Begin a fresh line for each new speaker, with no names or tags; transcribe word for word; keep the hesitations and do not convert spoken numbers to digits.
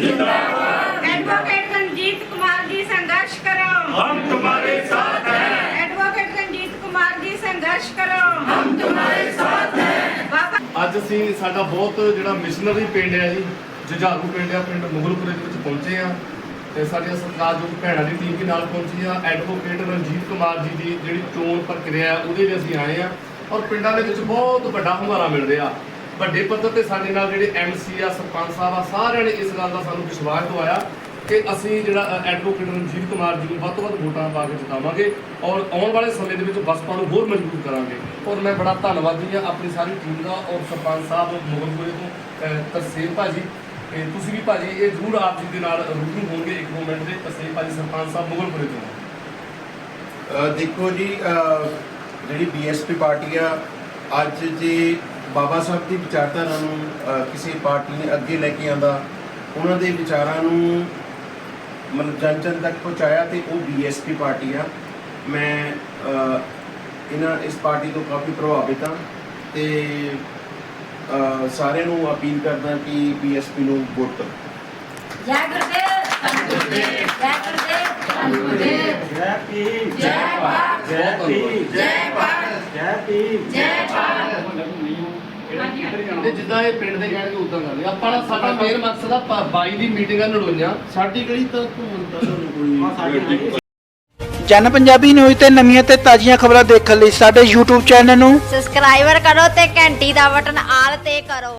जिंदाबाद। एडवोकेट रंजीत कुमार जी संघर्ष करो,
हम तुम्हारे साथ हैं।
एडवोकेट रंजीत कुमार जी संघर्ष करो,
हम तुम्हारे साथ हैं।
बाबा
ਅੱਜ ਅਸੀਂ ਸਾਡਾ ਬਹੁਤ ਜਿਹੜਾ ਮਿਸ਼ਨਰੀ ਪਿੰਡ ਹੈ ਜੀ, ਜੁਝਾਰੂ ਪਿੰਡ ਆ, ਪਿੰਡ ਮੁਗਲਪੁਰੇ ਦੇ ਵਿੱਚ ਪਹੁੰਚੇ ਆ ਤੇ ਸਾਡੀਆਂ ਸਤਿਕਾਰਯੋਗ ਭੈਣਾਂ ਦੀ ਟੀਮ ਵੀ ਨਾਲ ਪਹੁੰਚੀ ਆ। ਐਡਵੋਕੇਟ ਰਣਜੀਤ ਕੁਮਾਰ ਜੀ ਦੀ ਜਿਹੜੀ ਚੋਣ ਪ੍ਰਕਿਰਿਆ ਉਹਦੇ ਲਈ ਅਸੀਂ ਆਏ ਆ ਔਰ ਪਿੰਡਾਂ ਦੇ ਵਿੱਚ ਬਹੁਤ ਵੱਡਾ ਹੁੰਗਾਰਾ ਮਿਲ ਰਿਹਾ। ਵੱਡੇ ਪੱਧਰ ਤੇ ਸਾਡੇ ਨਾਲ ਜਿਹੜੇ ਐਮਸੀ ਆ, ਸਰਪੰਚ ਸਾਹਿਬ ਆ, ਸਾਰਿਆਂ ਨੇ ਇਸ ਗੱਲ ਦਾ ਸਾਨੂੰ ਵਿਸ਼ਵਾਸ ਦਿਵਾਇਆ ਕਿ ਅਸੀਂ ਜਿਹੜਾ ਐਡਵੋਕੇਟ ਰਣਜੀਤ ਕੁਮਾਰ ਜੀ ਨੂੰ ਵੱਧ ਤੋਂ ਵੱਧ ਵੋਟਾਂ ਪਾ ਕੇ ਜਿਤਾਵਾਂਗੇ ਔਰ ਆਉਣ ਵਾਲੇ ਸਮੇਂ ਦੇ ਵਿੱਚ ਬਸਪਾ ਨੂੰ ਹੋਰ ਮਜ਼ਬੂਤ ਕਰਾਂਗੇ। ਔਰ ਮੈਂ ਬੜਾ ਧੰਨਵਾਦੀ ਹਾਂ ਆਪਣੀ ਸਾਰੀ ਟੀਮ ਦਾ ਔਰ ਸਰਪੰਚ ਸਾਹਿਬ ਮੁਗਲਪੁਰੇ ਤੋਂ ਤਰਸੇਮ ਭਾਜੀ, ਤੇ ਤੁਸੀਂ ਵੀ ਭਾਜੀ ਇਹ ਜ਼ਰੂਰ ਆਪ ਜੀ ਦੇ ਨਾਲ ਰੂਬਰੂ ਹੋਣਗੇ ਇੱਕ ਦੋ ਮਿੰਟ ਦੇ। ਤਰਸੇਮ ਭਾਜੀ ਸਰਪੰਚ ਸਾਹਿਬ ਮੁਗਲਪੁਰੇ ਤੋਂ।
ਦੇਖੋ ਜੀ, ਜਿਹੜੀ ਬੀਐਸਪੀ ਪਾਰਟੀ ਆ ਅੱਜ ਜੇ ਬਾਬਾ ਸਾਹਿਬ ਦੀ ਵਿਚਾਰਧਾਰਾ ਨੂੰ ਕਿਸੇ ਪਾਰਟੀ ਨੇ ਅੱਗੇ ਲੈ ਕੇ ਆਂਦਾ, ਉਹਨਾਂ ਦੇ ਵਿਚਾਰਾਂ ਨੂੰ ਮਤਲਬ ਜਨ ਜਨ ਤੱਕ ਪਹੁੰਚਾਇਆ ਤੇ ਉਹ ਬੀਐਸਪੀ ਪਾਰਟੀ ਆ। ਮੈਂ ਇਹਨਾਂ ਇਸ ਪਾਰਟੀ ਤੋਂ ਕਾਫੀ ਪ੍ਰਭਾਵਿਤ ਹਾਂ ਤੇ ਸਾਰਿਆਂ ਨੂੰ ਅਪੀਲ ਕਰਦਾ ਕਿ ਬੀਐਸਪੀ ਨੂੰ ਵੋਟ ਕਰੋ।
जय गुरुदेव, धन गुरुदेव, जय गुरुदेव, धन गुरुदेव,
जय भीम,
जय भारत,
जय भीम,
जय भारत,
जय भीम,
जय भारत।
ਤੇ ਜਿੱਦਾਂ ਇਹ ਪਿੰਡ ਦੇ ਕਹਿਣਗੇ ਉਦਾਂ ਕਰਦੇ ਆਪਾਂ ਦਾ। ਸਾਡਾ ਮੇਨ ਮਕਸਦ ਆ ਬਾਈ ਦੀ ਮੀਟਿੰਗਾਂ ਨੜੋਈਆਂ ਸਾਡੀ ਗਲੀ ਤਾਂ ਘੁੰਮਣ ਤਾਂ ਕੋਈ
ਜਨ ਪੰਜਾਬੀ ਨਿਊਜ਼ ਤੇ ਨਵੀਆਂ ਤੇ ਤਾਜ਼ੀਆਂ ਖਬਰਾਂ ਦੇਖਣ ਲਈ ਸਾਡੇ YouTube ਚੈਨਲ ਨੂੰ
ਸਬਸਕ੍ਰਾਈਬਰ ਕਰੋ ਤੇ ਘੰਟੀ ਦਾ ਬਟਨ ਆਲ ਤੇ ਕਰੋ।